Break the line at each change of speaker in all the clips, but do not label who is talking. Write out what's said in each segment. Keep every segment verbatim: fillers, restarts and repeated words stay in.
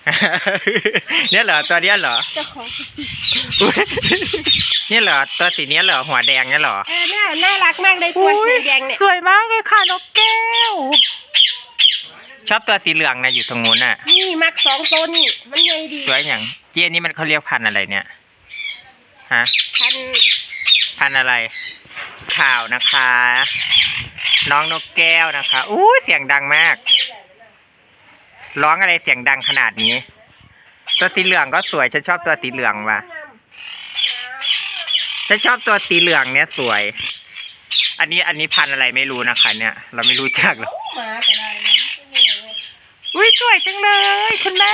เนี่ยเหรอตัวเนี้ยเหรอ
เจ้าของ
เนี่ยเหรอตัวสีเนี้ยเหรอหัวแดงเนี่ยเหรอ
เออน่าน่ารักมากเลยตัวสีแดงเนี่ย
สวยมากเลยค่ะนกแก้วชอบตัวสีเหลืองนะอยู่ตรงนู้นน่ะ
นี่มักสองตัวนี่มันใหญ่ดี
สวยอย่างเจี๊ยนี่มันเขาเรียกพันธุ์อะไรเนี่ยฮะ
พัน
พันธุ์อะไรข่าวนะคะ น้องนกแก้วนะคะอู้เสียงดังมากร้องอะไรเสียงดังขนาดนี้ตัวสีเหลืองก็สวยฉันชอบตัวสีเหลืองว่ะฉันชอบตัวสีเหลืองเนี้ยสวยอันนี้อันนี้พันธุ์อะไรไม่รู้นะคะเนี่ยเราไม่รู้จักหรอกอุ้ยสวยจังเลยคุณแม่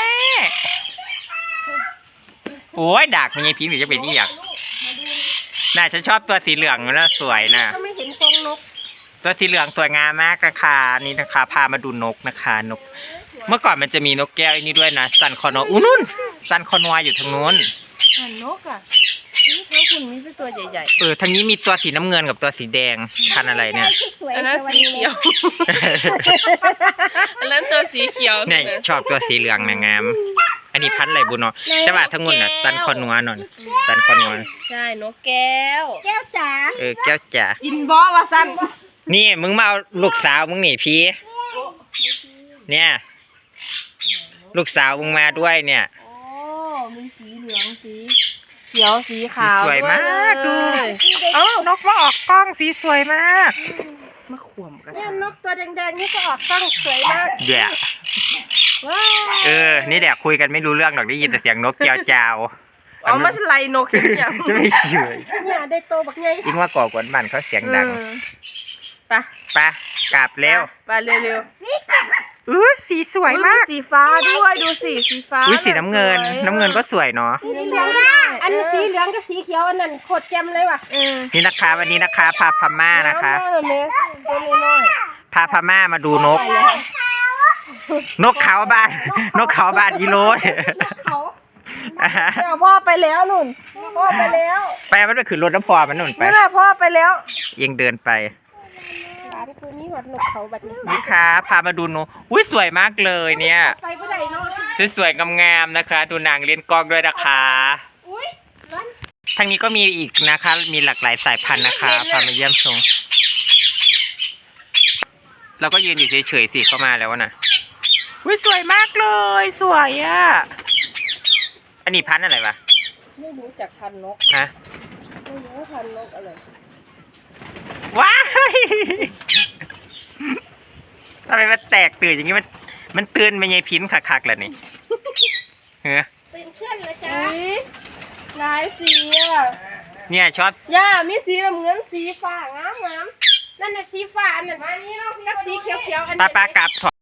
โอ้ยดักมันยังพิงหรือจะเป็นนี่อยากน่าฉันชอบตัวสีเหลืองนะสวยนะ
ไม่เห็นฟองนก
ตัวสีเหลืองสวยงามมากนะคะนี่นะคะพามาดูนกนะคะนกเมื่อก่อนมันจะมีนกแก้วอันนี้ด้วยนะซันคอนออู้นู่นซันคอนวอยู่ทางนู้น
นกอ่ะนี่เขาคุณมีตัวใหญ่ๆ
เออทางนี้มีตัวสีน้ำเงินกับตัวสีแดงพันอะไรเนี่ย
อันนั้นสีเขียวอันนั้นตัวสีเขียว
เนี่ยชอบตัวสีเหลืองนะงามอันนี้พันอะไรบุญเนาะแต่ว่าทั้งหมดน่ะซันคอนวหน่อยซันคอนว
ใช่นกแก้วแก้วจ๋า
เออแก้วจ๋า
กินบ่ว่าซัน
นี่มึงมาเอาลูกสาวมึงหนีพี่เนี่ยลูกสาวมึงมาด้วยเนี่ย
โอ้มีสีเหลืองสีเขียวสีขาว
สวยมากดูเอ้านกมาออกกล้องสีสวยมาก
มาข่วมกันเนี่ยนกตัวแดงๆนี่ก็ออกกล้องสวยมาก
เดี๋ยวเออนี่แหละคุยกันไม่รู้เรื่องหรอกได้ยินแต่เสียงนกเจ้าเจ้า
อ๋อไม่ใช่ไรนกอย่าง
ไม่เชื่อ
เนี่ยได้โตบักใหญ่
ยิ่งว่าก่อกวนมันเขาเสียงดัง
ไป
ไปกลับเร็ว
ไปเร็ว
ๆอือสีสวยมาก
สีฟ้าด้วยดูสิสีฟ้า
อุ้ยสีน้ำเงินน้ำเงินก็สวยเนาะ
สีเหลืองอันนี้สีเหลืองกับสีเขียวอันนั้นโคตรแจ่มเลยว่ะ
นี่นะคะวันนี้นะคะพาพม่านะคะพาพม่ามาดูนกนกเขาบ้านนกเขาบ้านกิโล
พ่อไปแล้วนุ่นพ่อไปแล้ว
ไปมันไปขึ้นรถน้ำพอมันนุ่นไป
นี่แหละพ่อไปแล้ว
ยังเดินไป
คืนนี้หอดนกเขาแบบนี้
นี่ค่ะพามาดูนกอุ้ยสวยมากเลยเนี่ยสวยๆงามๆนะคะดูนางเล่นกล้องด้วยนะคะทางนี้ก็มีอีกนะคะมีหลากหลายสายพันธุ์นะคะพามาเยี่ยมชมเราก็ยืนอยู่เฉยๆสิเข้ามาแล้วนะอุ้ยสวยมากเลยสวยอ่ะอันนี้พันธุ์อะไรวะ
ไม่รู้จักพันธุ์นก
ฮะ
ไม่รู้พันธุ์นกอะไร
ว้ายทำไมมันแตกตื่นอย่างนี้มันมันตื่นไม่ใช่พิ้นคักๆเลยนี่เฮ้ย
ตื่นเชื่อนเลยจ้าหลายสีอ่ะ
เนี่ยชอบ
ย่ามีสีน้ำเงินสีฟ้างามงามนั่นน่ะสีฟ้าอันนั้นกับสีเขียวๆอันนี้
ป้าป้ากลับ